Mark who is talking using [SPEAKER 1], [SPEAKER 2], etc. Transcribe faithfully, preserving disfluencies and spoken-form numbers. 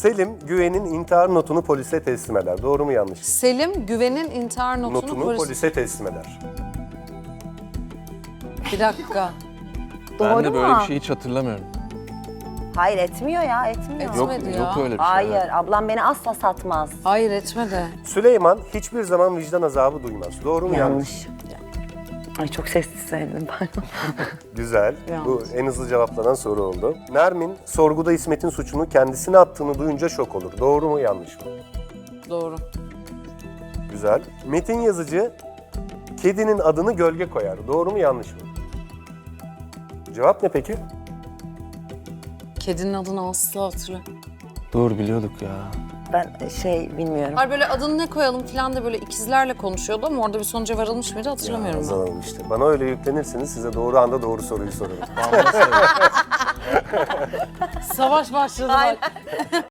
[SPEAKER 1] Selim, Güven'in intihar notunu polise teslim eder. Doğru mu yanlış mı?
[SPEAKER 2] Selim Güven'in intihar notunu,
[SPEAKER 1] Notunu
[SPEAKER 2] polis...
[SPEAKER 1] polise teslim eder.
[SPEAKER 2] Bir dakika.
[SPEAKER 3] Ben
[SPEAKER 4] Doğru
[SPEAKER 3] de böyle
[SPEAKER 4] mu?
[SPEAKER 3] bir şey hiç hatırlamıyorum.
[SPEAKER 4] Hayır etmiyor ya etmiyor.
[SPEAKER 2] Etmiyor.
[SPEAKER 3] Yok,
[SPEAKER 2] Etmedi
[SPEAKER 3] yok
[SPEAKER 2] ya.
[SPEAKER 3] öyle bir şey.
[SPEAKER 4] Hayır
[SPEAKER 3] evet.
[SPEAKER 4] ablam beni asla satmaz.
[SPEAKER 2] Hayır etmedi.
[SPEAKER 1] Süleyman hiçbir zaman vicdan azabı duymaz. Doğru mu yanlış?
[SPEAKER 4] Yanlış. Ay çok sessiz söyledim pardon.
[SPEAKER 1] Güzel.
[SPEAKER 2] Yanlış.
[SPEAKER 1] Bu en hızlı cevaplanan soru oldu. Nermin, sorguda İsmet'in suçunu kendisine attığını duyunca şok olur. Doğru mu yanlış mı?
[SPEAKER 2] Doğru.
[SPEAKER 1] Güzel. Metin yazıcı, kedinin adını gölge koyar. Doğru mu yanlış mı? Cevap ne peki?
[SPEAKER 2] Kedinin adını asla hatırlamıyorum.
[SPEAKER 3] Doğru biliyorduk ya.
[SPEAKER 4] Ben şey bilmiyorum.
[SPEAKER 2] Hayır böyle adını ne koyalım falan da böyle ikizlerle konuşuyordu ama orada bir sonuca varılmış mıydı hatırlamıyorum ben.
[SPEAKER 1] Yazalım işte. Bana öyle yüklenirseniz size doğru anda doğru soruyu sorarım.
[SPEAKER 2] Savaş başladı bak.